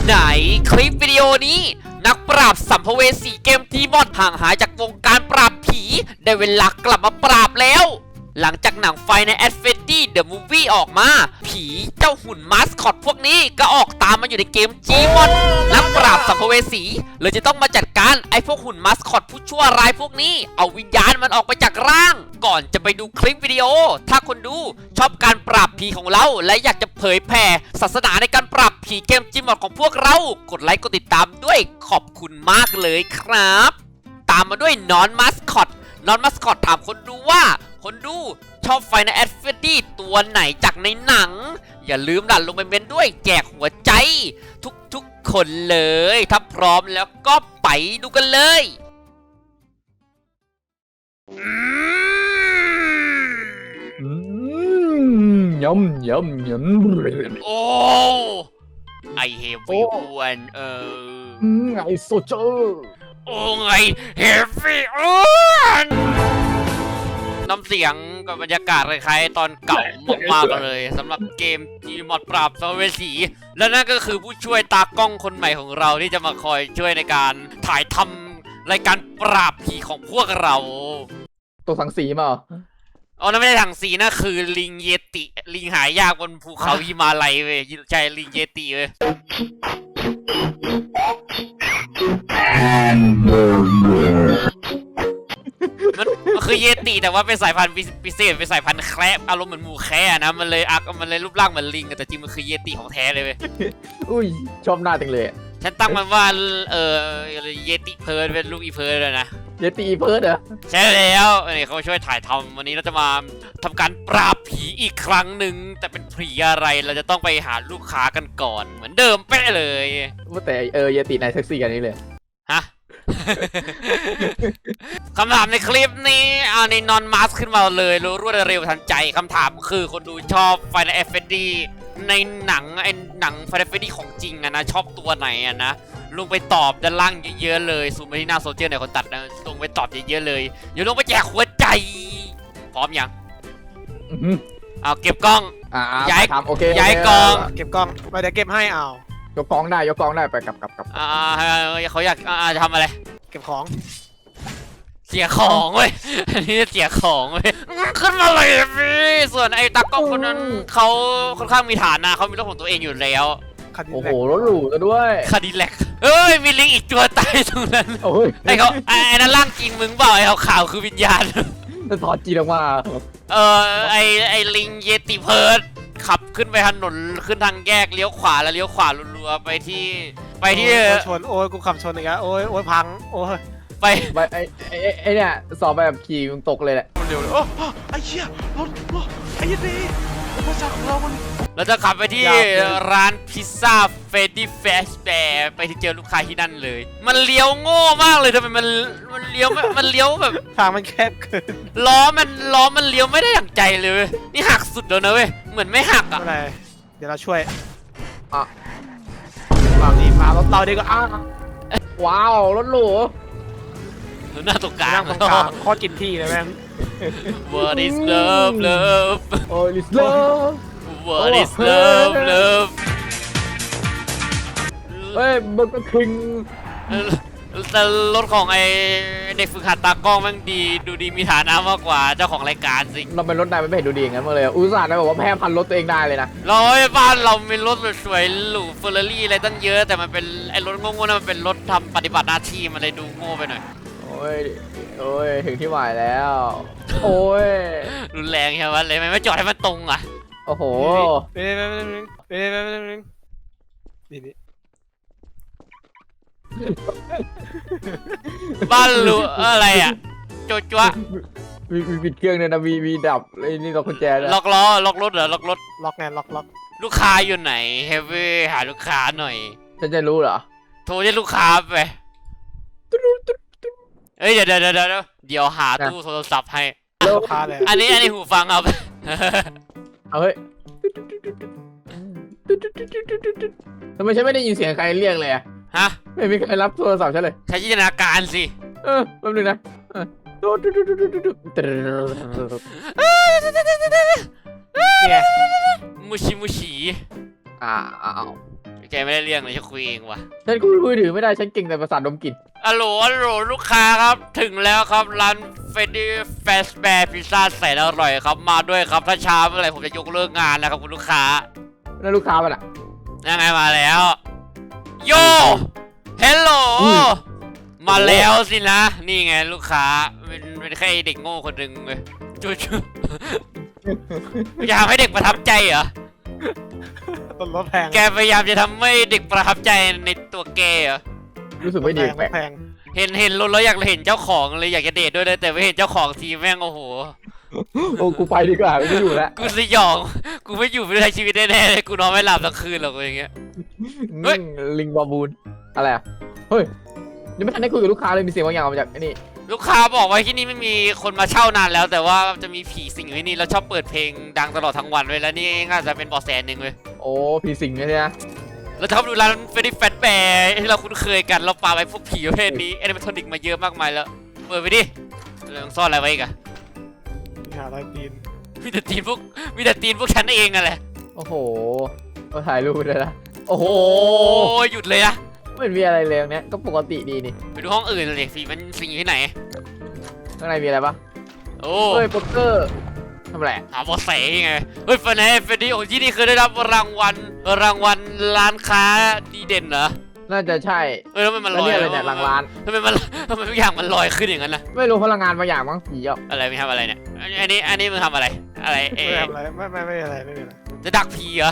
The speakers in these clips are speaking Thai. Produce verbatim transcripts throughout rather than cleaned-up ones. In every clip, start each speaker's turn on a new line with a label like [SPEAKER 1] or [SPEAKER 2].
[SPEAKER 1] ไหนคลิปวิดีโอนี้นักปราบสัมภเวสีเกมทีมอดห่างหายจากวงการปราบผีได้เวลากลับมาปราบแล้วหลังจากหนังไฟใน At Freddy The Movie ออกมาผีเจ้าหุ่นมาสคอตพวกนี้ก็ออกตามมาอยู่ในเกม Gmod นักปราบสัมภเวสีเลยจะต้องมาจัดการไอ้พวกหุ่นมาสคอตผู้ชั่วร้ายพวกนี้เอาวิญญาณมันออกไปจากร่างก่อนจะไปดูคลิปวิดีโอถ้าคนดูชอบการปราบผีของเราและอยากจะเผยแผ่ศาสนาในการปราบผีเกม Gmod ของพวกเรากดไลค์กดติดตามด้วยขอบคุณมากเลยครับตามมาด้วยนอนมาสคอตนอนมาสคอตถามคนดูว่าคนดูชอบไฟในแอดเฟดดี้ตัวไหนจากในหนังอย่าลืมดันลงไปเมนด้วยแจกหัวใจทุกๆคนเลยถ้าพร้อมแล้วก็ไปดูกันเลย
[SPEAKER 2] อืมยำยำยำ
[SPEAKER 1] โอ้ไอเฮฟวี่อ้วนเออ
[SPEAKER 2] อืมไอโซเจอร์
[SPEAKER 1] โอ้ไงเฮฟวี่อ้วนน้ำเสียงกับบรรยากาศคล้ายๆตอนเก่ามากๆเลยสำหรับเกม Gmod ปราบสัมภเวสีและนั่นก็คือผู้ช่วยตากล้องคนใหม่ของเราที่จะมาคอยช่วยในการถ่ายทำรายการปราบผีของพวกเรา
[SPEAKER 2] ตัวสังสีมาเหรอ
[SPEAKER 1] อ๋อนั่นไม่ใช่ถังสีนะคือลิงเยติลิงหายากบนภูเขาหิมาลัยเว้ยใช่ลิงเยติเว้ยมันมันคือเยติแต่ว่าเป็นสายพันธุ์พิเศษเป็นสายพันธุ์แคระอารมณ์เหมือนหมูแคระนะมันเลยอักมันเลยรูปร่างเหมือนลิงแต่จริงมันคือเยติของแท้เลยเว้ย
[SPEAKER 2] อุ้ยชอบหน้าจังเลย
[SPEAKER 1] ฉันตั้งมันว่าเออเยติเพิร์ดเป็นลูกอีเพิร์ดเลยนะ
[SPEAKER 2] เยตีเพิร์ดเหรอ
[SPEAKER 1] ใช่แล้วนี่เขาช่วยถ่ายทำวันนี้เราจะมาทำการปราบผีอีกครั้งหนึ่งแต่เป็นผีอะไรเราจะต้องไปหาลูกค้ากันก่อนเหมือนเดิมเป๊ะเลย
[SPEAKER 2] ว่าแต่เออเยตีนายเซ็กซี่กันนี้เลย
[SPEAKER 1] ฮะ คำถามในคลิปนี้เอาในนอนมาสขึ้นมาเลยรู้รวดเร็วทันใจคำถามคือคนดูชอบไฟในเอฟเฟดีในหนังไอ้หนังไฟในเอฟเฟดีของจริงอะนะชอบตัวไหนอะนะลงไปตอบด้านล่างเยอะๆเลยซูมไปที่หน้าโซเชียลเนี่ยคนตัดนะลงไปตอบเยอะๆเลยอย่าลงไปแจกหัวใจพร้อมยังเอาเก็บกล้อง
[SPEAKER 2] อ่า
[SPEAKER 1] ย้าย
[SPEAKER 2] ทำโอเค
[SPEAKER 1] ย้ายกอง
[SPEAKER 3] เก็บกล้องไปเดี๋ยวเก็บให้เอา
[SPEAKER 2] ยกกองได้ยกกองได้ไปกลับกลับกลับ
[SPEAKER 1] อ่าเขาอยากอ่าจะทำอะไร
[SPEAKER 3] เก็บของ
[SPEAKER 1] เสียของเว้ย อันนี้เสียของเว้ยขึ้นมาเลยพี่ส่วนไอ้ตากล้องคนนั้นเขาค่อนข้างมีฐานะเขามีรถของตัวเองอยู่แล้ว
[SPEAKER 3] คันนี้
[SPEAKER 2] โอ้โหรถหรูซะด้วย
[SPEAKER 1] คาดิแลกเอ้ยมีลิงอีกตัวตายตรงนั้น
[SPEAKER 2] โอ้ย
[SPEAKER 1] ไอ้เขาไอ้นั่นร่างจริงมึงเปล่าไอ้เขาขาวคือวิญญาณ
[SPEAKER 2] จะถอดจีนออกมา
[SPEAKER 1] เออไอ้ไอ้ลิงเยติเพิร์ดขับขึ้นไปถนนขึ้นทางแยกเลี้ยวขวาแล้วเลี้ยวขวารัวๆไปที่ไปที่
[SPEAKER 3] โอ้ยชนโอ้ยกูขับชนอีกแล้วโอ้ยโอ้ยพังโอ้ย
[SPEAKER 1] ไป
[SPEAKER 2] ไปไอ้ไอ้ไอ้เนี่ยสอบแบบขี่มึงตกเลยแหละ
[SPEAKER 3] เร็วเลยโอ้ไอ้เหี้ยรถรถไอ้ยี่ดีอุปสรรคของเรามัน
[SPEAKER 1] เราจะขับไปที่
[SPEAKER 3] ยาวเลย
[SPEAKER 1] ร้านพิซซ่าเฟดดี้แฟชแบร์ไปที่เจอลูกค้าที่นั่นเลย มันเลี้ยวโง่มากเลยทำไมมันมันเลี้ยวไม่มันเลี้ยวแบบ
[SPEAKER 3] ทางมันแคบเกิน
[SPEAKER 1] ล้อมันล้อมันเลี้ยวไม่ได้ดั่งใจเลยเว้ยนี่หักสุดแล้วนะเว้ยเหมือนไม่หักอ่ะ
[SPEAKER 3] อะไรเดี๋ยวเราช่วย
[SPEAKER 2] อ่ะ
[SPEAKER 3] ฝั่งนี้มารถเราดีกว่าอ้าว
[SPEAKER 2] ว้าวรถหรู
[SPEAKER 1] หน้าตรงกลา
[SPEAKER 3] นั่
[SPEAKER 1] ง
[SPEAKER 3] งตรงกลางโคตรกินที่เลยแม่ง
[SPEAKER 1] What is love love
[SPEAKER 2] โอ้ยลิสเลอร์
[SPEAKER 1] What is love love
[SPEAKER 2] เฮ้ยเบอร์เกอร์คิง
[SPEAKER 1] แต่รถของไอเด็กฝึกหัดตากล้องแม่งดีดูดีมีฐานะมากกว่าเจ้าของรายการสิ
[SPEAKER 2] เราเป็นรถนายไม่เห็นดูดีอย่างนั้นมาเลยอุตส่าห์นะบอกว่าแพ้พันรถตัวเองได้เลยนะ
[SPEAKER 1] เราไอ้บ้านเรามีรถสวยๆหรูเฟอร์รารี่อะไรตั้งเยอะแต่มันเป็นไอ้รถโง่ๆนั่นมันเป็นรถทำปฏิบัติหน้าที่มันเลยดูโง่ไปหน่อย
[SPEAKER 2] โอ้ยโอ้ยถึงที่หมายแล้ว โอ้ย
[SPEAKER 1] รุนแรงใช่ไหมเลยไม่จอดให้มันตรงอ่ะ
[SPEAKER 2] โอ้โห
[SPEAKER 3] เป๊ะเป๊ะเป๊ะเป๊ะเป๊ะเป๊ะเป๊ะนี่นี่
[SPEAKER 1] บ้านหรูอะไรอ่ะโจจัว
[SPEAKER 2] มีมีปิดเครื่องเนี่ยนะมีมีดับไอ้นี่ล็อกกุญแจด้วย
[SPEAKER 1] ล็อกล้อล็อกรถเหรอล็อกรถ
[SPEAKER 3] ล็อกไงล็อกล็อก
[SPEAKER 1] ลูกค้าอยู่ไหนเฮฟวี่หาลูกค้าหน่อย
[SPEAKER 2] ฉันจะรู้เหรอ
[SPEAKER 1] โทรเรียกลูกค้าไปเอ้ยเดี๋ยวเดี๋ยวเดี๋ยวเดี๋ยวเดี๋ยวหาตู้โทรศัพท์ให้
[SPEAKER 3] ลูกค้าเลย
[SPEAKER 1] อันนี้อันนี้หูฟังเอาไป
[SPEAKER 2] เอาเฮ้ยทำไมฉันไม่ได้ยินเสียงใครเรียกเลยอะ
[SPEAKER 1] ฮะ
[SPEAKER 2] ไม่มีใครรับโทรศัพท์ฉันเลย
[SPEAKER 1] ใช้จินตนาการสิ
[SPEAKER 2] เออแป๊บนึงนะเออ
[SPEAKER 3] เนี่ย
[SPEAKER 1] มุชิมุชิ
[SPEAKER 2] อ้าว
[SPEAKER 1] แกไม่ได้เรื่องเลยฉันคุยเองว่ะ
[SPEAKER 2] ฉันคุยมือถือไม่ได้ฉันเก่งแต่ภาษาดดมกลิ่น
[SPEAKER 1] อัลโหลอัลโหลลูกค้าครับถึงแล้วครับร้านเฟดดี้แฟสแบร์พิซซ่าแสนอร่อยครับมาด้วยครับถ้าช้าเมื่อไหร่ผมจะยกเลิกงานนะครับคุณลูกค้า
[SPEAKER 2] แล้วลูกค้ามันอ่ะ
[SPEAKER 1] ยังไงมาแล้วโยเฮลโหล
[SPEAKER 2] อุ้ย
[SPEAKER 1] มาแล้วสินะนี่ไงลูกค้าเป็นเป็นแค่เด็กโง่คนหนึ่งเลยจูจูอยากให้เด็กประทับใจเหรอ
[SPEAKER 3] ต้นรถแพง
[SPEAKER 1] แกพยายามจะทำให้เด็กประทับใจในตัวแกเหรอ
[SPEAKER 2] รู้สึกไม่ดีแปลก
[SPEAKER 3] แพง
[SPEAKER 1] เห็นเห็นรถแล้วอยากเห็นเจ้าของเลยอยากจะเดทด้วยเลยแต่ไม่เห็นเจ้าของทีแม่งโอ้โห
[SPEAKER 2] โอ้กูไปดีกว่าไม่อยู่แล้ว
[SPEAKER 1] กูสยองกูไม่อยู่ไม่ได้ชีวิตแน่ๆเลยกูนอนไม่หลับทั้งคืนหรอกอย่างเงี้ย เฮ้ย
[SPEAKER 2] อืมลิงบาบูนอะไรอ่ะเฮ้ยยังไม่ทันได้คุยกับลูกค้าเลยมีเสียงบางอย่างออกมาจากไอ้นี่
[SPEAKER 1] ลูกค้าบอกว่าที่นี่ไม่มีคนมาเช่านานแล้ว แต่ว่าจะมีผีสิงอยู่ที่นี่แล้วชอบเปิดเพลงดังตลอดทั้งวันเลยแล้วนี่น่าจะเป็นเบาะแสหนึ่งเลย
[SPEAKER 2] โอ้ผีสิงใช่ไหม
[SPEAKER 1] เราชอบดูร้านเฟรดดี้แฟตแบร์ที่เราคุ้นเคยกันเราปาไปพวกผีประเภทนี้แอนิเมทรอนิกมาเยอะมากมายแล้วเปิดไปดิเราต้องซ่อนอะไรไว้อีกอะ
[SPEAKER 3] หาอะไรตีน
[SPEAKER 1] มีแต่ตีนพวกมีแต่ตีนพวกฉันเองอะแหละ
[SPEAKER 2] โอ้โหก็ถ่ายรูปได้ละโอ้โห
[SPEAKER 1] โอ้ยหยุดเลยนะ
[SPEAKER 2] ไม่เห็นมีอะไรเลยตรงเนี้ยก็ปกติดีนี่
[SPEAKER 1] ไปดูห้องอื่นเลยสิมันสิงอยู่ที่ไหน
[SPEAKER 2] ข้างในมีอะไรปะ
[SPEAKER 1] โอ้
[SPEAKER 2] เฮ้ยโป๊กเกอร์ทำอะไรอะ
[SPEAKER 1] หาเบาะแสยังไงเฮ้ยเฟรนเฟรดดี้โอ้ที่นี่เคยได้รับรางวัลรางวัลร้านค้าดีเด่นเหรอ
[SPEAKER 2] น่าจะใช่
[SPEAKER 1] เออทำไมมัน
[SPEAKER 2] แล้ว
[SPEAKER 1] ลอย
[SPEAKER 2] เนี่ยอะไรเนี่ยหลังร้าน
[SPEAKER 1] ทำไมมันทำไมทุกอย่างมันลอยขึ้นอย่างนั้นนะ
[SPEAKER 2] ไม่รู้พลังงานบางอย่างมั้งผีอ่ะ
[SPEAKER 1] อะไรมึงทำอะไรเนี่ยอันอันนี้อันนี้มึงทำอะไรอะไรเอ
[SPEAKER 3] ไม่ทำอะไรไม่ไม่ไม่อะไรไม่มีอะไร
[SPEAKER 1] จะดักผีเหรอ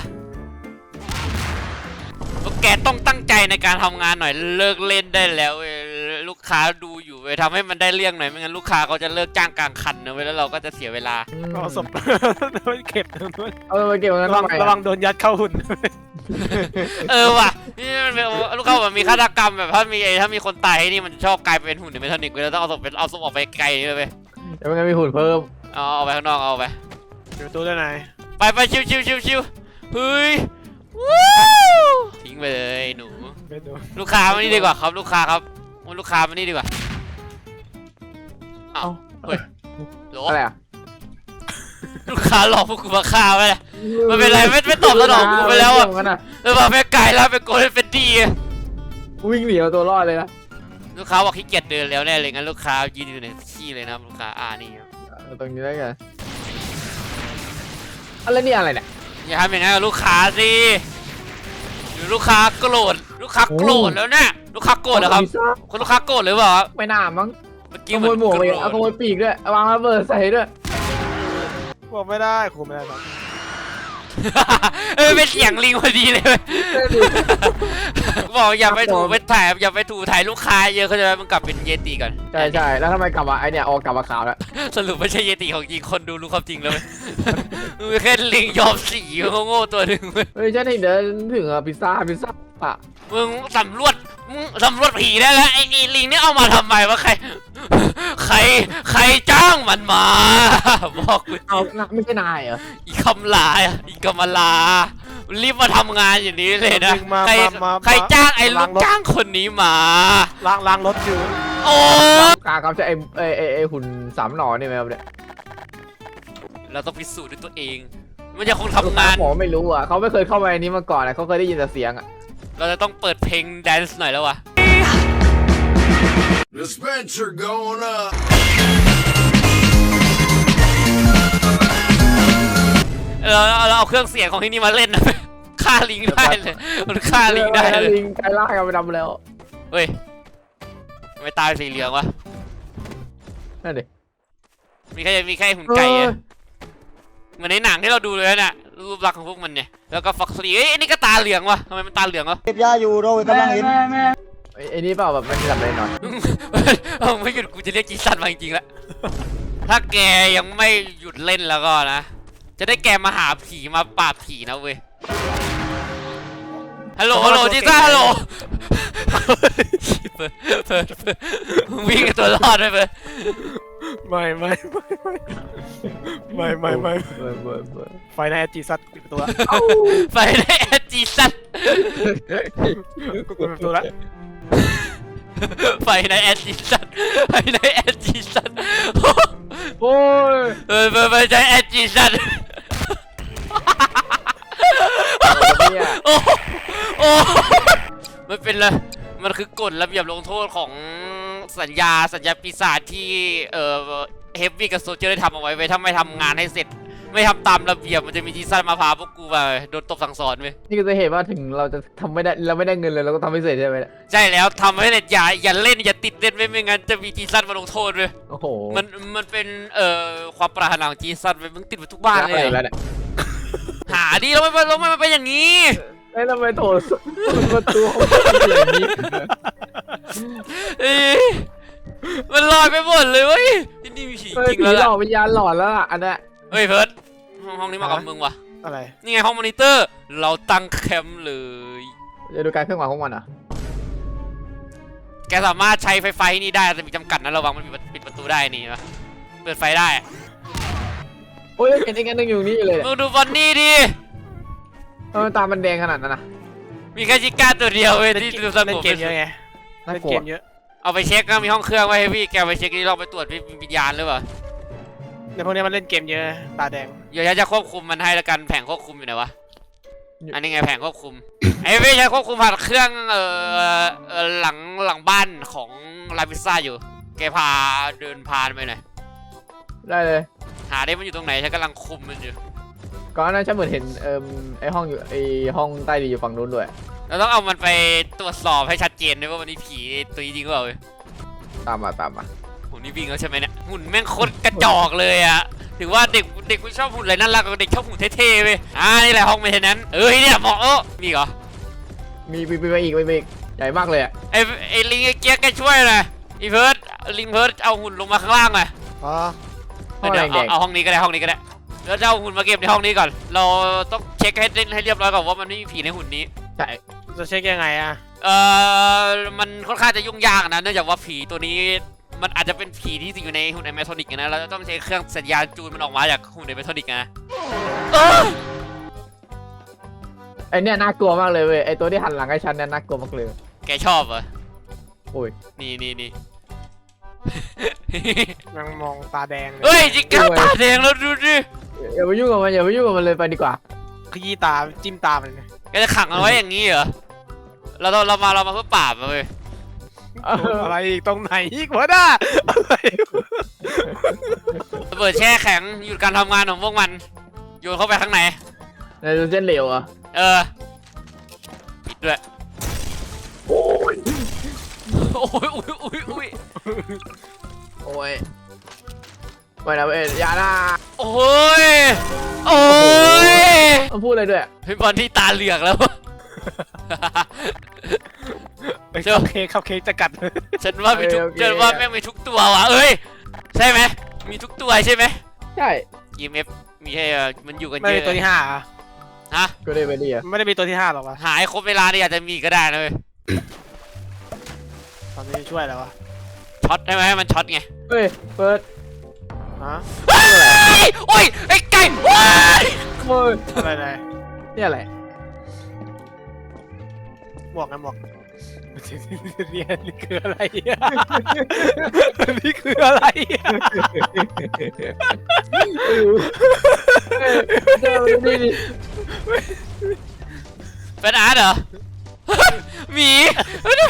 [SPEAKER 1] พวกแกต้องตั้งใจในการทำงานหน่อยเลิกเล่นได้แล้วเว้ยลูกค้าดูอยู่เว้ยทำให้มันได้เรื่องหน่อยไม่งั้นลูกค้าเขาจะเลิกจ้างกลางคันนะเว้ยแล้วเราก็จะเสียเวลา
[SPEAKER 3] เอาศพไม่เก็บด้วย
[SPEAKER 2] เอาไปเก็บตรงนั้น
[SPEAKER 3] ระวัง
[SPEAKER 2] ทำไม
[SPEAKER 3] ระวังโดนยัดเข้าหุ่น
[SPEAKER 1] เออว่ะนี่มันเป็นลูกค้าแบบมีฆาตกรรมแบบถ้ามีไอ้ถ้ามีคนตายนี่มันชอบกลายเป็นหุ่นเมทานิกเว้ยเราต้องเอาศพไปเอาศพออกไปไกลเลยเว้ย
[SPEAKER 2] เดี๋ยวมันจะมีหุ่นเพิ่ม
[SPEAKER 1] เอาเอาไปข้างนอกเอาไป
[SPEAKER 3] อยู่ตู้ด้านใน
[SPEAKER 1] ไปไปชิวชิวชิวชิวเฮ้ยวู้ทิ้งไปเลยหนู
[SPEAKER 3] ไม่ดู
[SPEAKER 1] ลูกค้ามานี่ดีกว่าครับลูกค้าครับลูกค้ามานี่ดีกว่าเอาเฮ้ยโหล
[SPEAKER 2] อะไรอ่ะ
[SPEAKER 1] ลูกค้าหลอกพวกกูมาฆ่าไปเลยมันเป็นไรไม่ไม่ตอบสนองกูไปแล้วอ่ะ
[SPEAKER 2] เรื่องนั้น
[SPEAKER 1] เออมาแม่ไก่แล้วเป็นโกลเด้นเฟดดี้
[SPEAKER 2] วิ่งหนีเอาตัวรอดเลยนะ
[SPEAKER 1] ลูกค้าบอกขี้เกียจเดินแล้วแน่เลยงั้นลูกค้ายืนอยู่ในที่เลยนะครับลูกค้าอ่านี่ครับ
[SPEAKER 2] เอาตรงนี้ได้ไงอะไรนี่อะไรเนี่ย
[SPEAKER 1] อย่าทำอย่างนั้นกับลูกค้าสิหรือลูกค้าโกรธลูกค้าโกรธแล้วเนี่ยลูกค้าโกรธเหรอครับ
[SPEAKER 2] พิซซ่า
[SPEAKER 1] คุณลูกค้าโกรธหรือเปล่าครับ
[SPEAKER 2] ไม่น่ามั้ง
[SPEAKER 1] เมื่อ
[SPEAKER 2] ข
[SPEAKER 1] กี้
[SPEAKER 2] โมยหมวกไปเอาขโมยปีกด้วยเอาวางระเบิดใส่ด้วย
[SPEAKER 3] บอกไม่ได้คุมไม่ได้ครับ
[SPEAKER 1] เออเป็นเสียงลิงพอดีเลยเว้ยบอกอย่าไปถูไปถ่ายอย่าไปถูถ่ายลูกค้าเยอะเขาจะมันกลับเป็นเยติก่อน
[SPEAKER 2] ใช่ใช่แล้วทำไมกลับมาไอเนี่ยออกกลับมาขาวแล้ว
[SPEAKER 1] สรุปไม่ใช่เยติของจริงคนดูรู้ความจริงแล้วเว้ยมึงเป็นแค่ลิงยอมสีโง่ๆตัวหนึ่งเว้ย
[SPEAKER 2] เฮ้ยฉันเห็นเดินถึงอะพิซซ่าพิซซ่าปะ
[SPEAKER 1] มึงสำรวจมึงสำรวจผีได้แล้วไอ้ไอ้ลิงนี่เอามาทำไมวะใครใครใครจ้างมันมา บอกกู
[SPEAKER 2] เอาไม่ใช่นายเหรอ
[SPEAKER 1] อีคำลาอีกำมลารีบมาทำงานอย่างนี้เลยนะ
[SPEAKER 3] มา
[SPEAKER 1] ใคร
[SPEAKER 3] มามา
[SPEAKER 1] ใครจ้างไอ้ลู
[SPEAKER 3] ล้าก งรถ
[SPEAKER 1] จ้างคนนี้มา
[SPEAKER 3] ล้างล้างรถอยู่
[SPEAKER 1] โอ้
[SPEAKER 2] กาครับจะไอไอไอไอหุ่นสามหนอนี่ไหมครับเนี่ย
[SPEAKER 1] เราต้องพิสูจน์ด้วยตัวเอง มันจะคงทำงาน
[SPEAKER 2] หมอไม่รู้อ่ะเขาไม่เคยเข้ามาในนี้มาก่อนนะเขาเคยได้ยินแต่เสียงอ่ะ
[SPEAKER 1] เราจะต้องเปิดเพลงแดนซ์หน่อยแล้ววะ
[SPEAKER 4] The Spencer going up.
[SPEAKER 1] เราเราเอาเครื่องเสียงของที่นี่มาเล่นนะ ฆ่าลิงได้เลย มันฆ่าลิงได้เลย
[SPEAKER 2] ลิงไกลล่ากันไปดำแล้ว
[SPEAKER 1] เฮ้ยทำไม่ตายสีเหลืองวะ
[SPEAKER 2] นั่นดิ
[SPEAKER 1] มีแค่มีแค่หุ่นไก่อะเหมือนในหนังที่เราดูเลยน่ะรูปลักษณ์ของพวกมันเนี่ย แล้วก็ฟ็อกซี่เอ้ยนี่ก็ตาเหลืองวะทำไมมันตาเหลืองวะ
[SPEAKER 5] เก็บยาอยู่โดยกำลังเห็น
[SPEAKER 2] ไอไอนี่เปล่าแบบมันจะดับเลยหน่อย
[SPEAKER 1] เอาไม่หยุดกูจะเรียกจีซันมาจริงๆแล้ว ถ้าแกยังไม่หยุดเล่นแล้วก็นะ จะได้แกมาหาผีมาปราบผีนะเว้ย ฮัลโหล ฮัลโหลจีซันฮัลโหลเปิดเปิดเปิดมึงวิ่งกับตัวรอดไปเปิด
[SPEAKER 3] ไม่ไม่ไม่ไม่ไม่ไม่
[SPEAKER 2] เบิร์เบิร์เบิร์
[SPEAKER 3] ไฟในแอจีซัดปิดประตูละ
[SPEAKER 1] ไปได้แอดจีซัน
[SPEAKER 3] ปิดประตูละ
[SPEAKER 1] ไปในแอดจีซันไปในแอดจีซัน
[SPEAKER 2] โอ้ย
[SPEAKER 1] เออไปไปในแอดจีซัน
[SPEAKER 2] เนี่ย
[SPEAKER 1] โอ้โอ้อ้มันเป็นเลยมันคือกฎระเบียบลงโทษของสัญญาสัญญาปีศาจที่เอ่อเฮฟวี่กับโซเจอร์ได้ทำเอาไว้ไว้ถ้าไม่ทำงานให้เสร็จไม่ทำตามระเบียบมันจะมีทีสั้นมาพาพวกกูไปโดนตบสั่งสอนไป
[SPEAKER 2] นี่คือจะเห็นว่าถึงเราจะทำไม่ได้เราไม่ได้เงินเลยเราก็ทำไม่เสร็จใช่ไหมเนี่ย
[SPEAKER 1] ใช่แล้วทำให้เน็ตอย่าอย่าเล่นอย่าติดเล่นไว้ไม่งั้นจะมีทีสั้นมาลงโทษเลย
[SPEAKER 2] โอ้โห
[SPEAKER 1] มันมันเป็นเอ่อความปรารถนาของจีซันไปมึงติดไปทุกบ้านเลย
[SPEAKER 2] แล้วเนี่ย
[SPEAKER 1] หาดิแล้วไม่แล้วมันเป็นอย่างนี้
[SPEAKER 2] ไอ้ทำไมโถประตูห้องอย่างนี้
[SPEAKER 1] เอ้ยมันลอยไปหมดเลยเว้ยที่นี่มีผี
[SPEAKER 2] เฮ้ย
[SPEAKER 1] จริง
[SPEAKER 2] ผี
[SPEAKER 1] แล้ว
[SPEAKER 2] หล
[SPEAKER 1] ล่ะ
[SPEAKER 2] อกวิญญาณหลอนแล้วล่ะอันเนี้ย
[SPEAKER 1] เฮ้ยเพิร์ดห้องห้องนี้มากับมึงวะ
[SPEAKER 3] อะไร
[SPEAKER 1] นี่ไงห้องมอนิเตอร์เราตั้งแคมป์เลย
[SPEAKER 2] จะดูการเคลื่อนไหวของมันอ่ะ
[SPEAKER 1] แกสามารถใช้ไฟไฟนี่ได้แต่มีจำกัดนะระวังมันปิดปิดประตูได้นี่ปะเปิดไฟได้
[SPEAKER 2] โอ้ยเห็นไอ้กันนึงอยู่นี่เลยเนี่ย
[SPEAKER 1] มึงดูบอนนี่ดิ
[SPEAKER 2] ทำไมตามันแดงขนาดนั้นนะ
[SPEAKER 1] มีแค่ชิก้าตัวเดียวเว้ยที่ดูส
[SPEAKER 3] เล่
[SPEAKER 1] ง
[SPEAKER 3] น
[SPEAKER 1] บ
[SPEAKER 3] เกมเยอะไง
[SPEAKER 2] น่า
[SPEAKER 3] เล่น
[SPEAKER 2] กลั
[SPEAKER 3] เก
[SPEAKER 2] ว
[SPEAKER 3] มเยอะ
[SPEAKER 1] เอาไปเช็คก็มีห้องเครื่องไว้ให้พี่แกไปเช็คนี่ลองไปตรวจวิญญาณหรือเปล่า
[SPEAKER 3] ในพวกนี้มันเล่นเกมเยอะตาแดง
[SPEAKER 1] เดี๋ยวฉันจะควบคุมมันให้ละกันแผงควบคุมอยู่ไหนวะ อันนี้ไงแผงควบคุม ไอ้พี่ใช้ควบคุมผ่านเครื่องเอ่อเอ่อหลังหลังบ้านของลาพิซซ่าอยู่ แกพาเดินพานไปหน่อย
[SPEAKER 2] ได้เลย
[SPEAKER 1] หาได้มันอยู่ตรงไหนฉันกำลังคุมมันอยู่
[SPEAKER 2] ก่อนหน้านั้นฉันเหมือนเห็นเอ่มไอ้ห้องอยู่ไอ้ห้องใต้ดินอยู่ฝั่งนู้นด้วย
[SPEAKER 1] เราต้องเอามันไปตรวจสอบให้ชัดเจนด้วยว่ามันมีผีตัวจริงหรือเปล่าเว้ย
[SPEAKER 2] ตามมาตามมา
[SPEAKER 1] หุ่นนี่วิ่งแล้วใช่ไหมเนี่ยหุ่นแม่งโคตรกระจอกเลยอะถือว่าเด็กเด็กไม่ชอบหุ่นอะไรน่ารักกว่าเด็กชอบหุ่นเท่ๆเว้ยอ่านี่แหละห้องเมนเทนแนนซ์เอ้ยเนี่ยเหมาะเออมีเหรอ
[SPEAKER 2] มีมีมีมาอีกมีมาอีกใหญ่มากเลยอ่ะ
[SPEAKER 1] ไอ้ไอ้ลิงไอ้เกียร์แกช่วยหน่อยอีเพิร์ดลิงเพิร์ดเอาหุ่นลงมาข้างล่างหน่อย
[SPEAKER 3] อ๋อ
[SPEAKER 2] ห้อง
[SPEAKER 1] เดี๋
[SPEAKER 2] แด
[SPEAKER 1] ยว
[SPEAKER 2] งแด
[SPEAKER 1] เอา
[SPEAKER 2] ง
[SPEAKER 1] เอาห้องนี้ก็ได้ห้องนี้ก็ได้แล้วจะเอาหุ่นมาเก็บในห้องนี้ก่อน เราต้องเช็คให้ให้เรียบร้อยก่อนว่ามันไม่มีผีในหุ่นนี้
[SPEAKER 2] ใช่
[SPEAKER 3] จะเช็คยังไงอะ
[SPEAKER 1] เอ่อมันค่อนข้างจะยุ่งยากนะเนื่องจากว่าผีตัวนี้มันอาจจะเป็นผีที่สิงอยู่ในหุ่นไอเมทอนิกนะเราจะต้องใช้เครื่องสัญญาณจูนมันออกมาจากหุ่นไอเมทอนิกนะเออ
[SPEAKER 2] ไอ้เนี่ยน่ากลัวมากเลยเว้ยไอ้ตัวที่หันหลังให้ฉันเนี่ยน่ากลัวมากเลย
[SPEAKER 1] แกชอบเหรอ
[SPEAKER 2] โอ้ย
[SPEAKER 1] นี่นี่นี่
[SPEAKER 3] ยังมองตาแดงเลย
[SPEAKER 1] เฮ้ยจิกก้าตาแดงแล้วดูดิ
[SPEAKER 2] อย่าไปยุ่งกับมันอย่าไปยุ่งกับมันเลยไปดีกว่า
[SPEAKER 3] ขยี้ตาจิ้มตามันเลย
[SPEAKER 1] แกจะขังมันไว้อย่างนี้เหรอเราเราเรามาเรามาเพื่อปราบมันเว้ย
[SPEAKER 3] อะไรอีกตรงไหนอีกวะน่าอะไร
[SPEAKER 1] ระเบิดแช่แข็งหยุดการทำงานของพวกมันโยนเข้าไปข้างใน
[SPEAKER 2] ในเส้นเหลวอ่ะ
[SPEAKER 1] เออปิดด้วยโอ้ยโอ้ยอุ้ยอุ้ยอุ้ย
[SPEAKER 2] โอ้ยไม่นะเว้ยอย่านะ
[SPEAKER 1] โอ้ยโอ้ย
[SPEAKER 2] มันพูดอะไรด้วย
[SPEAKER 1] เป็นบอลที่ตาเหลือกแล้ว
[SPEAKER 3] ไอ้คัพเค้กคัพเค้กจะกัด
[SPEAKER 1] ฉันว่ามีทุกฉันว่าแม่งมีทุกตัวว่ะเอ้ยใช่ไหมมีทุกตัวใช่ไหม
[SPEAKER 2] ใช่
[SPEAKER 1] อี เอ็ม เอฟ มีให้เอ่อมันอยู่กัน
[SPEAKER 3] ไม่
[SPEAKER 1] เย
[SPEAKER 3] มี
[SPEAKER 1] อะ
[SPEAKER 3] ตัวที่ห้าอะ
[SPEAKER 1] ฮะ
[SPEAKER 2] ก็ได้ไปดีอ่ะ
[SPEAKER 3] ไม่ได้มีตัวที่ห้าหรอกวะ
[SPEAKER 1] หายครบเวลาเนี่ยอาจจะมีก็ได้นะเว้ย
[SPEAKER 3] ตอนนี้ช่วยแล้ววะ
[SPEAKER 1] ช็อตได้ไหมให้มันช็อตไง
[SPEAKER 2] เฮ้ยเปิด
[SPEAKER 3] ฮะ
[SPEAKER 1] เฮ้ยโอ้ยไอ้ไก่ว้าย
[SPEAKER 2] โอ้ย
[SPEAKER 3] อะไรอะไร
[SPEAKER 2] นี่อะไร
[SPEAKER 3] หมวกไงหมวกเรียนนี่คืออะไรอะนี่คืออะไรอะ
[SPEAKER 2] เจอนี่ดิ
[SPEAKER 1] เป็นอาร์ตเหรอ หมีเฮ้ย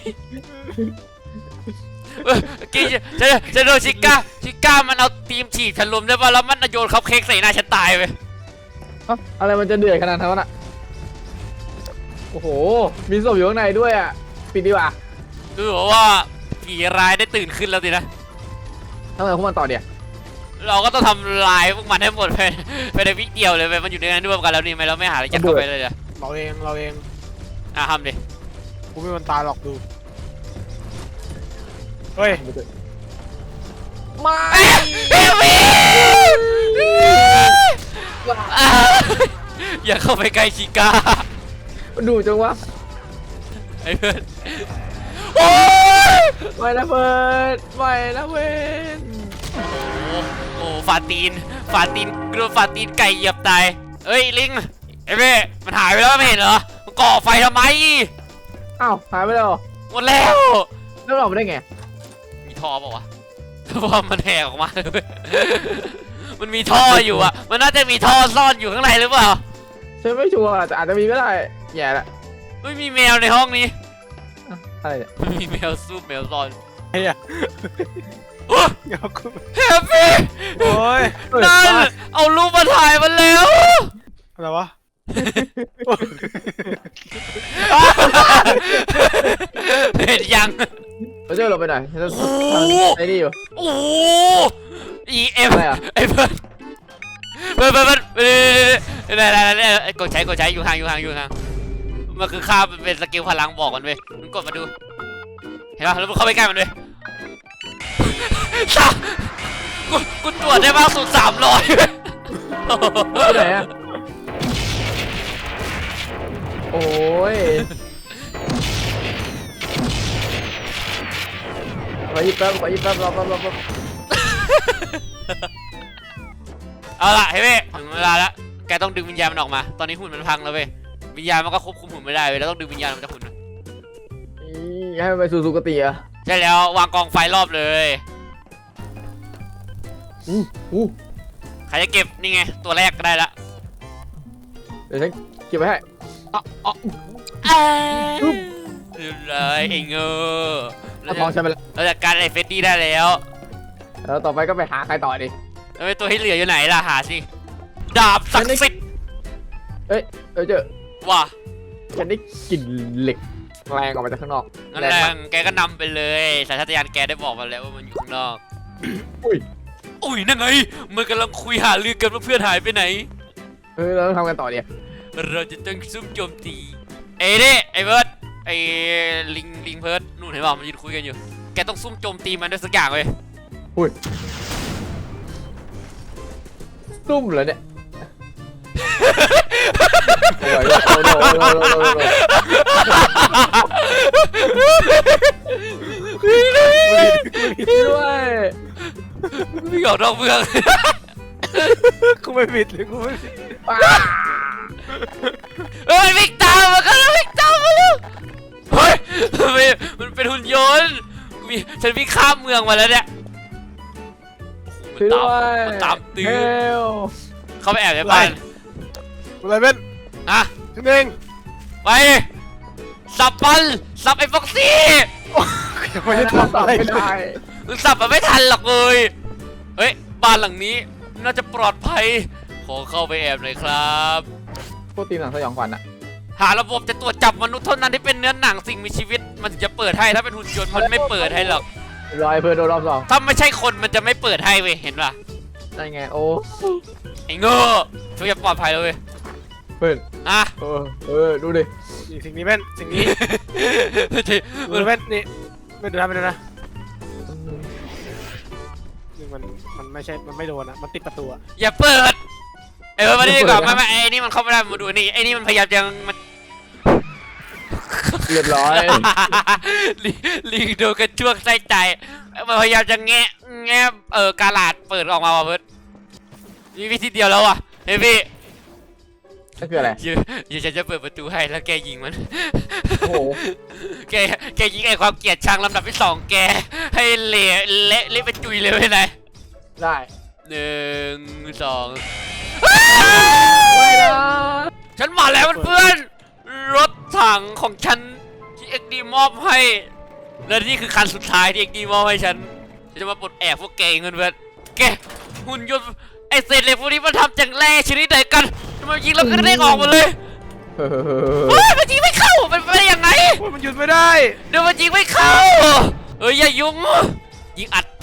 [SPEAKER 1] เออกี้จะจะจะโดนชิก้าชิก้ามันเอาทีมฉีกฉันลมได้ป่ะแล้วมันโยนคัพเค้กใส่หน้าฉันตายไป
[SPEAKER 2] เอ้าอะไรมันจะเดือดขนาดนั้นอ่ะโอ้โหมีศพอยู่ข้างในด้วยอ่ะปิดดีกว่า
[SPEAKER 1] ดูว่าผีร้ายได้ตื่นขึ้นแล้วสินะ
[SPEAKER 2] ทำไมพวกมันต่อเดี๋ยว
[SPEAKER 1] เราก็ต้องทำลายพวกมันให้หมดไปไปในวิกเดียวเลยไปมันอยู่ในนั้นร่วมกันแล้วนี่ไหมเราไม่หาอะไรยัดเข้าไปเลยเหรอ
[SPEAKER 3] เราเองเราเอง
[SPEAKER 1] อ่ะทำดิ
[SPEAKER 3] กูไม่มันตาหรอกดูเฮ้ย
[SPEAKER 2] ไม่
[SPEAKER 1] เอวีอย่าเข้าไปใกล้ชิก้า
[SPEAKER 2] มันดูจังวะ
[SPEAKER 1] ไอ้เพื่อนโอ้ย
[SPEAKER 2] ไม่นะเปิดไม่นะเว้น
[SPEAKER 1] โอ้โอ้ฟาตีนฟาตีนกลัวฟาตีนไก่เหยียบตายเอ้ยลิงไอ้เบ้มันหายไปแล้วไม่เห็นเหรอมันก่อไฟทำไม
[SPEAKER 2] อ้าวหายไปแล้วเหรอ
[SPEAKER 1] หมดแล้ว
[SPEAKER 2] แล้วเราไปได้ไง
[SPEAKER 1] มีท่อเปล่าวะเพราะว่ามันแหกออกมาเลยมันมีท่ออยู่อ่ะมันน่าจะมีท่อซ่อนอยู่ข้างในหรือเปล่า
[SPEAKER 2] ฉันไม่ชัวร์แต่อาจจะมีก็ได้แย่ละ
[SPEAKER 1] เไม่มีแมวในห้องนี้
[SPEAKER 2] อะไรเนี่ย
[SPEAKER 1] มีแมวซูบแมวซอน
[SPEAKER 3] ไอ้อะ
[SPEAKER 1] โอ้
[SPEAKER 3] เดี๋ยวกู
[SPEAKER 1] แฮปปี้
[SPEAKER 3] โอ้ย
[SPEAKER 1] นั่นเอารูปมาถ่ายมันแล้ว
[SPEAKER 3] อะไรวะ
[SPEAKER 1] เห็นยัง
[SPEAKER 2] เราเจอเราไปไหนฉันจะ
[SPEAKER 1] โอ้โห
[SPEAKER 2] ไอ้นี่อยู่
[SPEAKER 1] โอ้โห อีเอ็ม
[SPEAKER 2] อะไรอะ
[SPEAKER 1] ไอ้เบิร์ดเบิร์ดเบิร์ดเบิร์ดเบิร์ดเบิร์ดเบิร์ดเบิร์ดกดใช้กดใช้อยู่ห่างอยู่ห่างอยู่ห่างมันคือค่ามันเป็นสกิลพลังบอกมันเว้ยมึงกดมาดูเห็นป่ะแล้วมึงเข้าไปใกล้มันเว้ยสามกูกูตรวจได้มากสุดสามร้อย
[SPEAKER 2] ไปไหนอะโอ้ยไปยิบแป๊บไปยิบแป๊บรอแป๊บรอแป๊บ
[SPEAKER 1] เอาล่ะเฮ้ยเว้ยถึงเวลาแล้วแกต้องดึงวิญญาณมันออกมาตอนนี้หุ่นมันพังแล้วเว้ยวิญญาณมันก็ควบคุมหุ่นไม่ได้เว้ยแล้วต้องดึงวิญญาณมันจากหุ่นมัน
[SPEAKER 2] อีให้มันไปสู่สุคติอะ
[SPEAKER 1] ใช่แล้ววางกองไฟรอบเลย
[SPEAKER 2] อู้อู้
[SPEAKER 1] ใครจะเก็บนี่ไงตัวแรกก็ได้ละ
[SPEAKER 2] เดี๋ยวฉันเก็บไว้ให้อ๋ออ๋อ
[SPEAKER 1] เรียบร้อยไอ้เงอ
[SPEAKER 2] เอาทองฉันไปแล้ว
[SPEAKER 1] เราจัดการไอ้เฟดดี้ได้แล้ว
[SPEAKER 2] แล้วต่อไปก็ไปหาใครต่อดิ
[SPEAKER 1] แล้วไอ้ตัวที่เหลืออยู่ไหนล่ะหาสิดาบศักดิ์สิทธิ์
[SPEAKER 2] เอ้ยเออเจอ
[SPEAKER 1] ว่ะ
[SPEAKER 2] ฉันได้กลิ่นเหล็กแรงออกมาจากข้างนอก
[SPEAKER 1] งั้น
[SPEAKER 2] แร
[SPEAKER 1] แรง
[SPEAKER 2] มาก
[SPEAKER 1] งแกก็นำไปเลยสัญชาตญาณแกได้บอกมาแล้วว่ามันอยู่ข้างนอก
[SPEAKER 2] อุ้ย
[SPEAKER 1] อุ้ยนั่นไงมันกำลังคุยหาลือกันว่าเพื่อนหายไปไหน
[SPEAKER 2] เออเราต้องทำกันต่อเดียว
[SPEAKER 1] เราจะต้องซุ่มโจมตีเอ้ดิไอ้เบิร์ดไอ้ลิงลิงเพิร์ดนู่นเห็นป่ะมันยืนคุยกันอยู่แกต้องซุ่มโจมตีมันด้วยสักอย่างเลย
[SPEAKER 2] อุ้ยซุ่มเหรอเนี่ยโอ้ยโอ้ยโอ้ยโอ้ยโอ้ยโอ้ยโอ้ยด้วย
[SPEAKER 1] ไม่ออกนอกเมือง
[SPEAKER 3] กูไม่ผิดเลยกูไม่ผิด
[SPEAKER 1] เฮ้ยวิ่งตามมากันแล้ววิ่งตามมาแล้วเฮ้ยมันมันเป็นหุ่นยนต์กูมีฉันวิ่งข้ามเมืองมาแล้วเนี่ย
[SPEAKER 2] ช่วยด้วย
[SPEAKER 1] มันตามตื้อ
[SPEAKER 2] เฮล
[SPEAKER 1] เข้าไปแอบในบ้าน
[SPEAKER 3] อะไรเป็น
[SPEAKER 1] อ่ะ
[SPEAKER 3] ฉันเอง
[SPEAKER 1] ไปสับมันสับไอ้ฟ็อกซี่
[SPEAKER 3] ยังไม่ได้ทำอะไร
[SPEAKER 2] ไม่
[SPEAKER 3] เล
[SPEAKER 2] ได้
[SPEAKER 3] ย
[SPEAKER 1] มึงสับมันไม่ทันหรอกเลยเฮ้ยบ้านหลังนี้น่าจะปลอดภัยขอเข้าไปแอบหน่อยครับ
[SPEAKER 2] พวกตีมหนังสยองขวัญอะ
[SPEAKER 1] หาระบบจะตรวจจับมนุษย์เท่านั้นที่เป็นเนื้อหนังสิ่งมีชีวิตมันถึงจะเปิดให้ถ้าเป็นหุ่นยนต์มันไม่เปิดให้หรอก
[SPEAKER 2] รอยเพื่อนโดนรอบสอง
[SPEAKER 1] ถ้าไม่ใช่คนมันจะไม่เปิดให้เว้ยเห็นป่ะ
[SPEAKER 2] นั่นไงโอ้
[SPEAKER 1] ไอ้โง่ช่วยจะปลอดภัยแล้วเว้ย
[SPEAKER 2] เพื่อน
[SPEAKER 1] อ่ะ
[SPEAKER 2] เออเออดูดิ
[SPEAKER 3] นี่สิ่งนี้เป็นสิ่งนี้ดูเป็นนี่ไม่ดูนะไม่ดูนะนี่มันมันไม่ใช่มันไม่โดนอะมันติดประตูอะ
[SPEAKER 1] อย่าเปิดเออมาดีกว่าไม่ไม่ไอ้นี่มันเข้าไม่ได้มาดูนี่ไอ้นี่มันพยายามจะมัน
[SPEAKER 2] เรียบร้อย
[SPEAKER 1] ลิลิงโดนกระช่วงใส่ใจมันพยายามจะแงะแงะเออกาลาดเปิดออกมาว่ะเพิร์ดมีวิธีเดียวแล้วว่ะเฮ้ยพี่
[SPEAKER 2] นั่นคืออะไร
[SPEAKER 1] เดี๋ยวเดี๋ยวฉันจะเปิดประตูให้แล้วแกยิงมัน
[SPEAKER 2] โอ้โห
[SPEAKER 1] แกแกยิงไอ้ความเกลียดชังลำดับที่สองแกให้เละเละเละเป็นจุยเลยไปไหน
[SPEAKER 2] ได้
[SPEAKER 1] หนึ่งสอง
[SPEAKER 2] ไม่นะ
[SPEAKER 1] ฉันมาแล้วเพื่อนๆรถถังของฉันที่เอ็กดีมอบให้และนี่คือคันสุดท้ายที่เอ็กดีมอบให้ฉันฉันจะมาปลดแอกพวกแกเงินเพื่อนแกหุ่นยนต์ไอเศษเหล็กพวกนี้มันทำจากแร่ชนิดไหนกันทำไมยิงแล้วก็เด้งออกมาเลย
[SPEAKER 2] เฮ้ย
[SPEAKER 1] เฮ้ยมันยิงไม่เข้ามันไปได้ยังไง
[SPEAKER 3] มันหยุดไม่ได้
[SPEAKER 1] เดี๋ยวมันยิงไม่เข้าเอ้ยอย่ายุ่งยิงอัด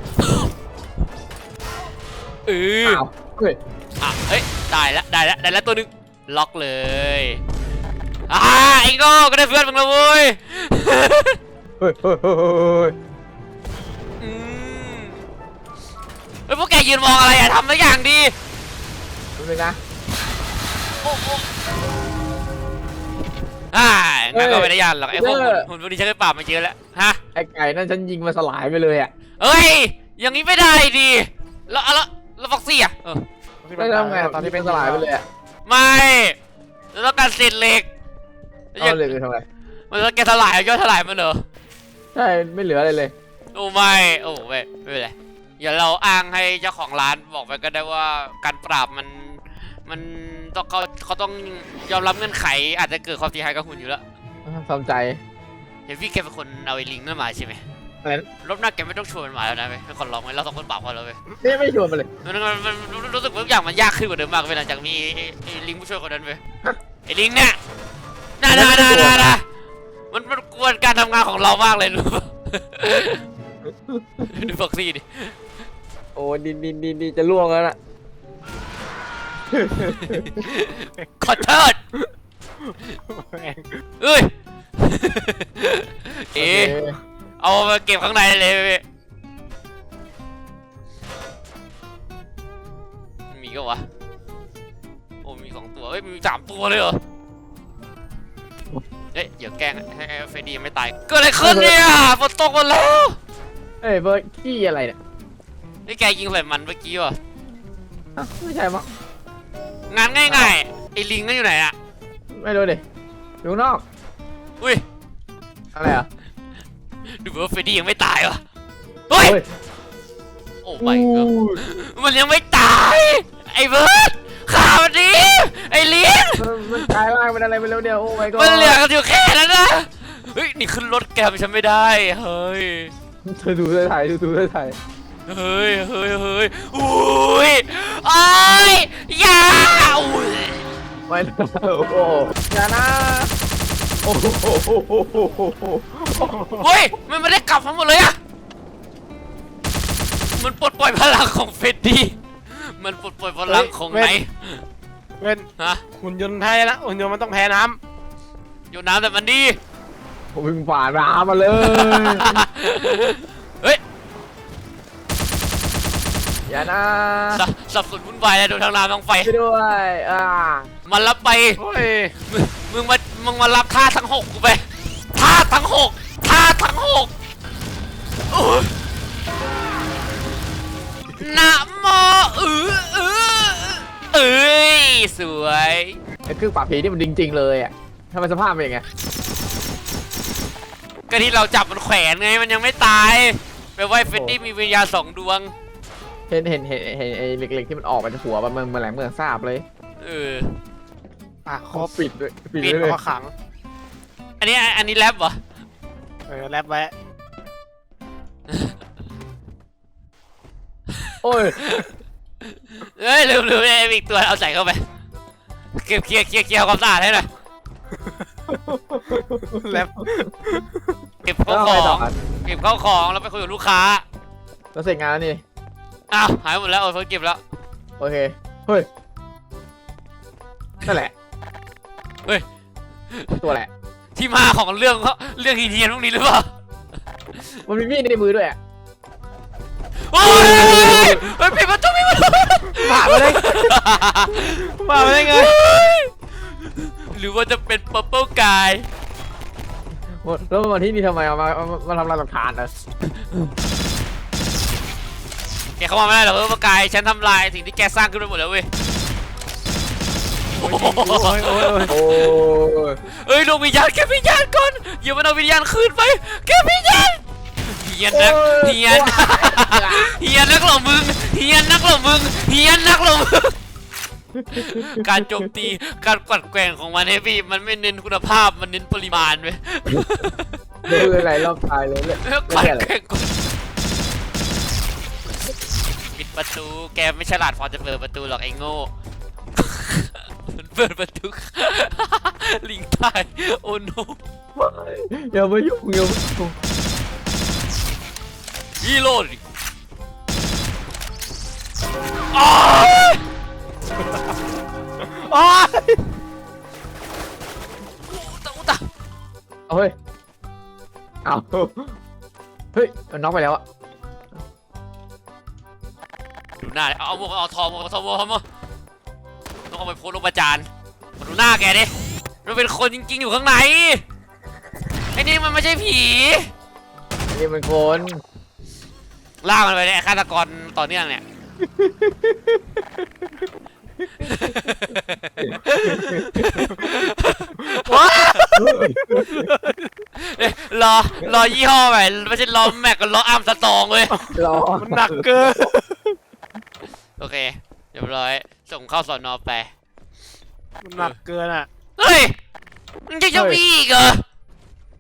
[SPEAKER 1] เออ
[SPEAKER 2] อ้าวเฮ้ย
[SPEAKER 1] อ่ะเฮ้ยได้แล้วได้แล้วได้แล้วตัวหนึงล็อกเลยอ่าไอ้โง่ก็ได้เพื่อนมึงแล้วเว้ย
[SPEAKER 2] เฮ้ยเฮ้ยเฮ้ยเฮ้ย
[SPEAKER 1] อืมเฮ้ยพวกแกยืนมองอะไรอะทำสักอย่างดี
[SPEAKER 2] ดูนึงนะ
[SPEAKER 1] โอ้โหอ่างั้นก็ไม่ได้ยานหรอกไอ้พวกหุ่นหุ่นพวกนี้ฉันเคยปราบมาเยอะแล้วฮะ
[SPEAKER 2] ไอ้ไก่นั่นฉันยิงมาสลายไปเลยอ่ะ
[SPEAKER 1] เอ้ยอย่างนี้ไม่ได้ดิแล้วแล้วแล้วฟ็อกซี่อะเออ
[SPEAKER 2] ได้ทำไงตอนที่เป็นสลายไปเลยอ่ะ
[SPEAKER 1] ไม่เราต้องการเศษเหล็ก
[SPEAKER 2] เอาเลยไปทำไม
[SPEAKER 1] มันต้องแกสลายย่อยสลายมันเหรอ
[SPEAKER 2] ใช่ไม่เหลืออะไรเลย
[SPEAKER 1] โอ้ไม่โอ้ไม่ไม่เป็นไรอย่าเราอ้างให้เจ้าของร้านบอกไปก็ได้ว่าการปราบมันมันต้องเขาเขาต้องยอมรับเงื่อนไขอาจจะเกิดความเสียหายกับหุ่นอยู่แล้ว
[SPEAKER 2] สนใจ
[SPEAKER 1] เห็นพี่แกเป็นคนเอาไอ้ลิงนั่นมาใช่ไหม
[SPEAKER 2] อะไรนะ
[SPEAKER 1] รอบหน้าแกไม่ต้องชวนมันมาแล้วนะเว้ยเป็นคนร้องไว้เราสองคนปากพอแล้วเว้ย
[SPEAKER 2] นี่ไม่ชวนมาเลย
[SPEAKER 1] มันมันมันมันรู้สึกว่าทุกอย่างมันยากขึ้นกว่าเดิมมากเว้ยหลังจากมีไอ้ไอ้ลิงผู้ช่วยคนนั้นเว้ยไอ้ลิงเนี่ยน่าน่าน่าน่าน่ามันมันกวนการทำงานของเรามากเลยรู้ปะดูฟ็อกซี่ดิ
[SPEAKER 2] โอ้ดินดินดินดินจะล่วงแล้วน่ะ
[SPEAKER 1] ขอโทษ
[SPEAKER 3] แม่ง
[SPEAKER 1] เอ้ย เอ๋
[SPEAKER 2] โอเค
[SPEAKER 1] เอามาเก็บข้างในเลยเว้ยมีก็วะโอ้มีสองตัวเอ้ยมีสามตัวเลยเหรอเอ๊ะเดี๋ยวแกล้งให้ให้เฟรดดี้ยังไม่ตายเกิดอะไรขึ้นเนี่ยฝนตกหมดแล้ว
[SPEAKER 2] เอ้ยเบอร์ขี้อะไรเนี่ย
[SPEAKER 1] นี่แกยิงใส่มันเมื่อกี้วะ
[SPEAKER 2] อ่ะไม่ใช่มั้ง
[SPEAKER 1] งานง่ายๆไอ้ลิงนั่นอยู่ไหนอะ
[SPEAKER 2] ไม่รู้ดิอยู่ข้างนอก
[SPEAKER 1] อุ้ย
[SPEAKER 2] อะไรอ่ะ
[SPEAKER 1] ดูเหมือนว่าเฟรดดี้ยังไม่ตายวะเฮ้ย
[SPEAKER 2] เฮ้ย
[SPEAKER 1] โอ้ไม่ก็มันยังไม่ตายไอ้เบิร์ดข่าวมันดีไอ้ลิง
[SPEAKER 2] มันมันกลายร่างเป็นอะไรไปแล้วเนี่ยโอ้ my god
[SPEAKER 1] มันเหลือกันอยู่แค่นั้นนะเฮ้ยนี่ขึ้นรถแกมฉันไม่ได้เฮ้ย
[SPEAKER 2] เธอดูเธอถ่ายดูดูเธอถ่าย
[SPEAKER 1] เฮ้ยเฮ้ยเฮ้ยอุ้ยโอ้ยอย่าอุ้ย
[SPEAKER 2] ไม่นะโอ้โหอย่านะโอ้โห
[SPEAKER 1] เฮ้ยมันไม่ได้กลับมาหมดเลยอะมันปลดปล่อยพลังของเฟรดดี้มันปลดปล่อยพลังของไหน
[SPEAKER 3] เว้น
[SPEAKER 1] ฮะ
[SPEAKER 3] หุ่นยนต์แพ้นะหุ่นยนต์มันต้องแพ้น้
[SPEAKER 1] อยู่น้ำแต่มันดี
[SPEAKER 2] ผมวิ่งฝ่าน้ำมาเลย
[SPEAKER 1] เฮ้ย
[SPEAKER 2] อย่านะ
[SPEAKER 1] สับสับสนวุ่นวายเลยโดนทางน้ำทางไฟ
[SPEAKER 2] ช่วยด้วยอ่า
[SPEAKER 1] มันรับไป
[SPEAKER 3] ำโอ้ย
[SPEAKER 1] มึงมึงมามึงมารับท่าทั้งหกกูไปท่าทั้งหกท่าทั้งหกโอ้ยนะโมเออเออเอ้ยสวย
[SPEAKER 2] ไอ้เครื่องปราบผีนี่มันจริงๆเลยอ่ะทำไมสภาพเป็นยังไง
[SPEAKER 1] ก็ที่เราจับมันแขวนไงมันยังไม่ตายแปลว่าไอ้เฟรดดี้มีวิญญาณสองดวง
[SPEAKER 2] เห็นเห็นเห็นเห็นไอ้เหล็กๆที่มันออกมาจากหัวมันมันมันแหลมเหมือนทราบเลย
[SPEAKER 1] เออ
[SPEAKER 3] อ่ะคร
[SPEAKER 2] เขา
[SPEAKER 3] บ
[SPEAKER 2] ปิดด้วยปิด
[SPEAKER 3] ปิด
[SPEAKER 2] ด้วยเลย
[SPEAKER 3] พอขัง
[SPEAKER 1] อันนี้อันนี้แรปเหรอ
[SPEAKER 3] เออแรปไว้
[SPEAKER 2] โอ้ย
[SPEAKER 1] เอ้ยลืมลืมไอ้อีกตัวเอาใส่เข้าไปเก็บเคลียร์เคลียร์เคลียร์ความสะอาดให้หน่อย
[SPEAKER 3] แรป
[SPEAKER 1] เก็บเข้า
[SPEAKER 2] แล้ว
[SPEAKER 1] ข
[SPEAKER 2] ไง
[SPEAKER 1] อ
[SPEAKER 2] ต่อง ครับ
[SPEAKER 1] เก็บเข้าของแล้วไปคุยกับลูกค้า
[SPEAKER 2] เราเสร็จงานแล้วนี่
[SPEAKER 1] อ้าวหายหมดแล้วเออเพิ่งเก็บแล้ว
[SPEAKER 2] โอเคเฮ้ยนั่นแหละ
[SPEAKER 1] เฮ้ย
[SPEAKER 2] ตัวแหละ
[SPEAKER 1] ที่มาของเรื่องเขาเรื่องฮีเทียนพวกนี้หรือเปล่า
[SPEAKER 2] มันมีมีดในมือด้วยอ่ะ
[SPEAKER 1] โอ้ยเฮ้ยปิดประตูปิดประตู
[SPEAKER 3] มาไปเลยมาไปได้ไง
[SPEAKER 1] หรือว่าจะเป็น purple guy
[SPEAKER 2] แล้วมันมาที่นี่ทำไมเอามาเอามามาทำลายหลักฐานเหรอ
[SPEAKER 1] แกเข้ามาไม่ได้หรอก purple guy ฉันทำลายสิ่งที่แกสร้างขึ้นไปหมดแล้วเว้ย
[SPEAKER 3] โอ้ยโอ้ยโอ้ย
[SPEAKER 2] โอ้ย
[SPEAKER 1] เฮ้ยดวงวิญญาณแกวิญญาณก่อนอย่ามันเอาวิญญาณคืนไปแกวิญญาณเฮียนนักเฮียนเฮียนนักเหรอมึงเฮียนนักเหรอมึงเฮียนนักเหรอมึงการโจมตีการกวัดแกว่งของมันเนี่ยพี่มันไม่เน้นคุณภาพมันเน้นปริมาณเว้ย
[SPEAKER 2] เดินไหลรอบตายเลยเลย
[SPEAKER 1] แล้วกวัดแกว่งกดปิดประตูแกไม่ฉลาดพอจะเปิดประตูหรอกไอ้โง่มันเปิดประตู ลิงตายโอ้โน
[SPEAKER 2] อย่ามายุ่งอย่ามายุ่ง
[SPEAKER 1] ฮีโร่ดิอ้าว
[SPEAKER 3] โอ้ย
[SPEAKER 1] อุตะอุตะ
[SPEAKER 2] เอาเฮ้ยเอาเฮ้ยมันน็อกไปแล้วอะ
[SPEAKER 1] ดูหน้าดิเอาเอาหมวกเอาทองหมวกเอาทองหมวกเอาหมวกต้องเอาไปโพสต์ลงประจานมาดูหน้าแกดิมันเป็นคนจริงๆอยู่ข้างในไอ้นี่มันไม่ใช่ผี
[SPEAKER 2] นี่มันคน
[SPEAKER 1] ล่ากมันไปเนี่ยฆาตกรต่อเนื่องเนี่ย เอ้ยรอรอยี่ห้อใหม่ไม่ใช่รอแม็กกับรออาร์มสตองเว้ย
[SPEAKER 2] รอ
[SPEAKER 3] มันหนักเกิน
[SPEAKER 1] โอเคเรียบร้อยส่งเข้าสอนอไป
[SPEAKER 3] มันหนักเกินอ่ะ
[SPEAKER 1] เฮ้ยมึงจะจะมีอีกเหรอ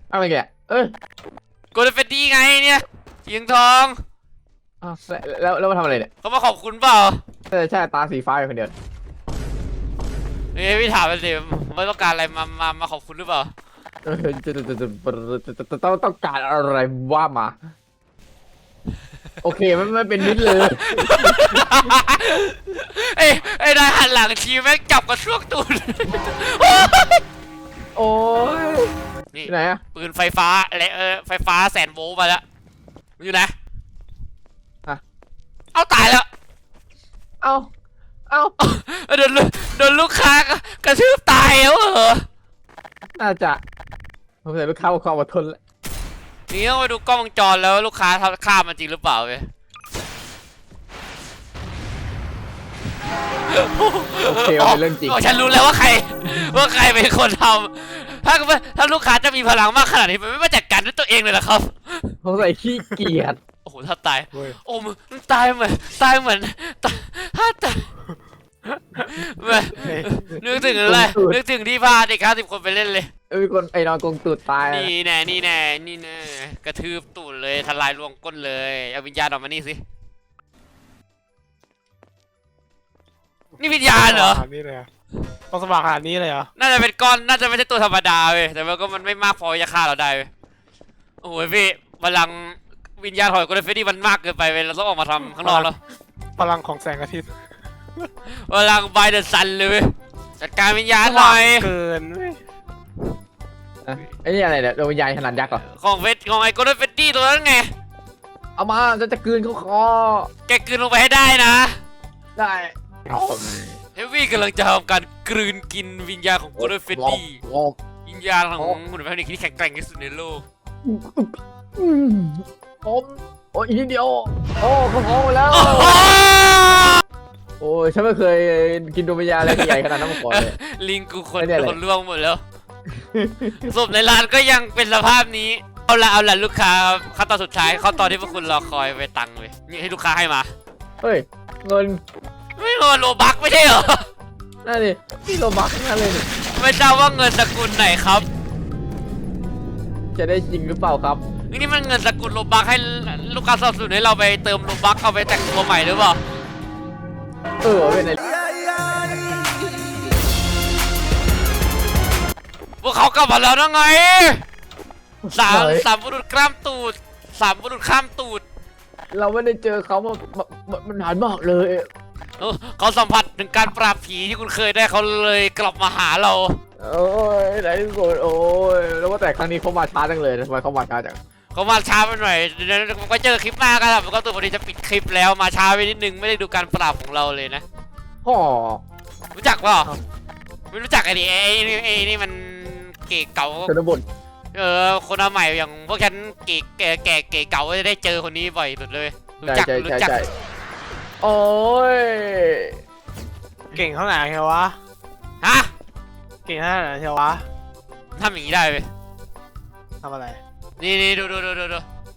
[SPEAKER 2] อะไรแกเอ้ย
[SPEAKER 1] โกลเด้นเฟดดี้ไงเนี่ยสีทอง
[SPEAKER 2] อ้าวแล้วแล้วมาทำอะไรเนี่ย
[SPEAKER 1] เขามาขอบคุณเปล่า
[SPEAKER 2] ใช่ใช่ตาสีฟ้าอยู่คนเดียว
[SPEAKER 1] เฮ้ยพี่ถามมันสิไม่ต้องการอะไรมามามาขอบคุณหรือเปล่า
[SPEAKER 2] เออจะจะจะจะจะต้องต้องการอะไรว่ามา โอเคไม่ไม่เป็นนิดเลย
[SPEAKER 1] เอ้ยไอ้นายหันหลังทีแม่งจับกระช่วงตูด
[SPEAKER 2] โอ้ย
[SPEAKER 1] นี่
[SPEAKER 2] ที่ไหนอะ
[SPEAKER 1] ปืนไฟฟ้าอะไรเออไฟฟ้าแสนโวลต์มาแล้วอยู่ไหน
[SPEAKER 2] ฮะ
[SPEAKER 1] เอาตายแล้ว
[SPEAKER 2] เอ้าเอ้า
[SPEAKER 1] โดนลูโดนลูกค้ากระทืบตายแล้วเหรอ
[SPEAKER 2] น่าจะผมใส่ลูกค้าความอดทนแล้ว
[SPEAKER 1] นี่ต้องไปดูกล้องวงจรแล้วลูกค้าทำฆ่ามันจริงหรือเปล่าเว้ย
[SPEAKER 2] โอเคมันเป็นเรื่องจริง
[SPEAKER 1] โฉันรู้แล้วว่าใครว่าใครเป็นคนทำถ้าถ้าลูกค้าจะมีพลังมากขนาดนี้มันไม่มาจัดการด้วยตัวเองเลยเหรอครับ
[SPEAKER 2] ผมใส่ขี้เกียจ
[SPEAKER 1] โอ้โหถ้าตาย
[SPEAKER 3] เว้ย
[SPEAKER 1] โอ้มึงตายเหมือนตายเหมือนตายถ้าตายแม่นึกถึงอะไรนึกถึงที่พาเด็กห้าสิบคนไปเล่นเลย
[SPEAKER 2] เอ้ยมีคนไอ้นอนกงตูดตาย
[SPEAKER 1] นี่แน่นี่แน่นี่แน่กระทืบตูดเลยทลายรวงก้นเลยเอาวิญญาณออกมานี่สินี่วิญญาณเหรอ
[SPEAKER 3] ขนาดนี้เลยเหรอต้องสว่างขนาดนี้เลยเหรอ
[SPEAKER 1] น่าจะเป็นก้อนน่าจะไม่ใช่ตัวธรรมดาเว้ยแต่มันก็มันไม่มากพอจะฆ่าเราได้เว้ยโอ้ยพี่พลังวิญญาณหอยโกลเด้นเฟดดี้มันมากเกินไปเว้ยเราต้องออกมาทำข้างนอกแล้ว
[SPEAKER 3] พลังของแสงอาทิตย์
[SPEAKER 1] พลังไบเดอร์ซันเลยเว้ยจัดการวิญญาณหน่อย
[SPEAKER 3] เกินเว้ย
[SPEAKER 2] อะไอ้นี่อะไรเนี่ยดวงวิญญาณขนาดยักษ์เหรอ
[SPEAKER 1] ของเฟสของไอ้โกลเด้นเฟดดี้ตัวนั้นไง
[SPEAKER 2] เอามาจะจะกลืนเขาคอ
[SPEAKER 1] แกกลืนลงไปให้ได้นะ
[SPEAKER 2] ได้
[SPEAKER 1] เฮฟวี่กำลังจะทำการกลืนกินวิญญาณของโกลเด้นเฟดดี้
[SPEAKER 2] โอ้
[SPEAKER 1] วิญญาณของหุ่นแมวนิกที่แข็งแกร่งที่สุดในโลก
[SPEAKER 2] อืมโอ้โอ้ยอีกนิดเดียวโอ้เขาท้องไปแล้ว โอ้ยฉันไม่เคยกินดวงวิญญาณอะไรใหญ่ขนาดนั้นมาก่อนเลย
[SPEAKER 1] ลิงกูคน
[SPEAKER 2] ไม่ได้เลย
[SPEAKER 1] คนล่วงหมดแล้วศพในร้านก็ยังเป็นสภาพนี้เอาละเอาละลูกค้าขั้นตอนสุดท้ายขั้นตอนที่พวกคุณรอคอยไปตังค์เลยนี่ให้ลูกค้าให้มา
[SPEAKER 2] เฮ้ยเงิน
[SPEAKER 1] ไม่เงินโลบักไม่ใช่เหรอ
[SPEAKER 2] นั่นดิพี่โลบักนั่นเลยนี่
[SPEAKER 1] ไม่ทราบว่าเงินสกุลไหนครับ
[SPEAKER 2] จะได้จริงหรือเปล่าครับ
[SPEAKER 1] นี่มันเงินสกุลโลบักให้ลูกค้าสนับสนุนให้เราไปเติมโลบักเอาไปแต่งตัวใหม่หรือเปล่า
[SPEAKER 2] เออเป็นไง
[SPEAKER 1] พวกเขากลับมาแล้วนะไงสามสามบุรุษข้ามตูดสามบุรุษข้ามตูด
[SPEAKER 2] เราไม่ได้เจอเขามามามามันนานมากเลย
[SPEAKER 1] เออเขาสัมผัสถึงการปราบผีที่คุณเคยได้เขาเลยกลับมาหาเรา
[SPEAKER 2] โอ้ยไหนที่สุดโอ้ยแล้วว่าแต่ครั้งนี้เขามาช้าจังเลยทำไมเขามาช้าจัง
[SPEAKER 1] เขามาช้าไปหน่อยเดี๋ยวผมก็เจอคลิปหน้ากันครับผมก็ตัวพอดีจะปิดคลิปแล้วมาช้าไปนิดนึงไม่ได้ดูการปราบของเราเลยนะ
[SPEAKER 2] ห่อ
[SPEAKER 1] รู้จักเปล่าไม่รู้จักไอ้นี่ไอ้นี่ไอ้นี่มันเก๋เก่า
[SPEAKER 2] ชนบท
[SPEAKER 1] เออคนมาใหม่อย่างพวกฉันเก๋แก่แก่เก๋เก่าจะได้เจอคนนี้บ่อยสุดเลยรู้
[SPEAKER 2] ใช่
[SPEAKER 1] จัก
[SPEAKER 2] ใช่
[SPEAKER 1] รู้
[SPEAKER 2] ใช่
[SPEAKER 1] จัก
[SPEAKER 2] ใช่โอ้ย
[SPEAKER 3] เก่งเท่าไหร่เชียววะ
[SPEAKER 1] ฮะ
[SPEAKER 3] เก่งเท่าไหร่เชียววะ
[SPEAKER 1] ทำอย่างนี้ได้ไหม
[SPEAKER 3] ทำอะไร
[SPEAKER 1] นี่นี่ดูดูดูดูดู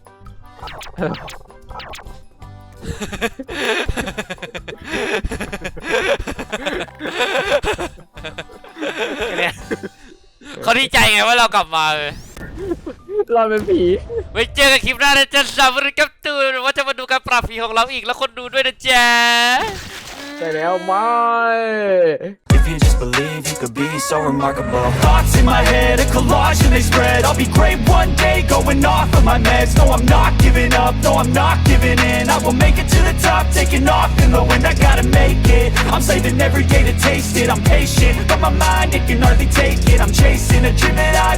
[SPEAKER 3] เนี่ย
[SPEAKER 1] เขาดีใจไงว่าเรากลับมาเลย
[SPEAKER 2] เราเป็นผี
[SPEAKER 1] ไว้เจอกันคลิปหน้านะจ๊ะสำหรับกับตูนว่าจะมาดูการปราบผีของเราอีกแล้วคนดูด้วยนะจ๊ะ
[SPEAKER 2] ใช่แล้วไม่
[SPEAKER 5] If you just believe, you could be so remarkable. Thoughts in my head, a collage and they spread. I'll be great one day, going off of my meds. No, I'm not giving up, no, I'm not giving in. I will make it to the top, taking off in the wind. I gotta make it, I'm saving every day to taste it. I'm patient, but my mind, it can hardly take it. I'm chasing a dream that I